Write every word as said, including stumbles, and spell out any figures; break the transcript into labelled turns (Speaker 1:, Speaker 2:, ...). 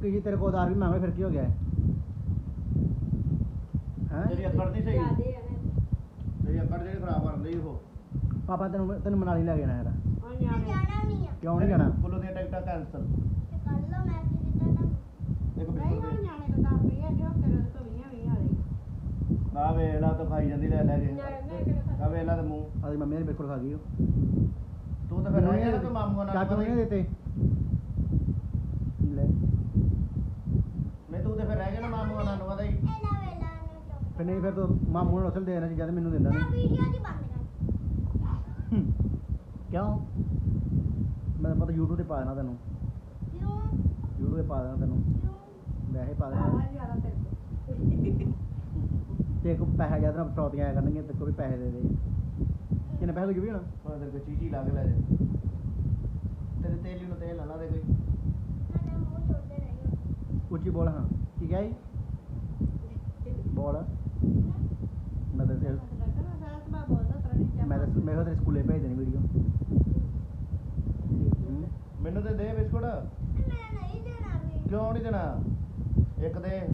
Speaker 1: किसी तेरे को उधार भी मांगे फिर क्यों हो गया है हैं
Speaker 2: तेरी अकड़ नहीं सही तेरी अकड़ ਜਿਹੜੀ ਖਰਾਬ ਕਰ ਲਈ ਉਹ
Speaker 1: पापा तेन तेन मनाली ले जाना यार
Speaker 3: जाना नहीं है
Speaker 1: क्यों नहीं जाना
Speaker 2: ਕੁੱਲੂ ਦੀਆਂ ਟਿਕਟਾਂ ਕੈਂਸਲ
Speaker 3: कर लो मैं भी देता ना
Speaker 2: ਇੱਕ
Speaker 4: ਨਹੀਂ
Speaker 2: ਬਿਸਕੁਟ
Speaker 4: ਹੁਣ ਜਾਣੇ ਕੋ ਦਸ ਰੁਪਏ ਜੋ ਤੇਰੇ ਤੋਂ ਵੀਆਂ ਵੀਆਂ ਵਾਲੀ
Speaker 2: ਆ ਵੇਲਾ ਤਾਂ ਖਾਈ ਜਾਂਦੀ ਲੈ ਲੈ ਕੇ ਆ ਵੇਲਾ ਤੇ ਮੂੰਹ
Speaker 1: अरे मम्मी ने बिल्कुल खा गई
Speaker 2: ਤੂੰ ਤਾਂ ਫਿਰ ਰਹਿ ਗਿਆ ਤੂੰ ਮਾਮੂਆਂ ਨਾਲ
Speaker 1: चाचू नहीं देते ले
Speaker 2: ਨਹੀਂ ਤੂੰ ਤਾਂ ਫਿਰ ਰਹਿ ਗਿਆ ਨਾ ਮਾਮੂਆਂ ਨਾਲ ਉਹਦਾ ਹੀ
Speaker 3: ए ना वेला ने तो
Speaker 1: फिर नहीं फिर तो मामू ने उसल देना चीज़ मैनू देना
Speaker 3: ना
Speaker 1: नहीं
Speaker 3: वीडियो दी बंद कर
Speaker 1: क्यों मैं पता यूट्यूब पे पा देना तेनों
Speaker 3: क्यों
Speaker 1: यूट्यूब पे पा देना तेनों
Speaker 3: क्यों
Speaker 1: वैसे ही पा देना
Speaker 4: ਆਹ ਜ਼ਿਆਦਾ ਤੇਰੇ ਤੋਂ
Speaker 1: तेरे को पैसा ज्यादा ना फटौतियाँ आया करनगे तेरे को भी पैसे दे दे कितने पैसे लगे भी ना
Speaker 2: ਮੈਂ ਤੇਰੇ ਕੋ ਚੀਚੀ ਲਾ ਕੇ ਲੈ ਜਾ ਤੇਰੇ ਤੇਲੀ ਨੂੰ ਤੇਲ ਨਾ ਲਾ ਦੇ ਕੋਈ
Speaker 3: ना मुंह छोड़ते नहीं
Speaker 1: उची बोल हाँ ठीक है बोल मैं तो तेरे-
Speaker 4: ਲੱਗਣਾ ਸਾਰਾ ਸੁਭਾਅ ਬੋਲਦਾ ਤਰਾ ਨਹੀਂ
Speaker 1: मैं तो मैं तो तेरे स्कूले भेज देनी वीडियो
Speaker 2: ਮੈਨੂੰ ਤੇ ਦੇ ਬਿਸਕੁਟ
Speaker 3: मैं नहीं देना भी
Speaker 2: ਕਿਉਂ ਨਹੀਂ ਦੇਣਾ ਇੱਕ ਦੇ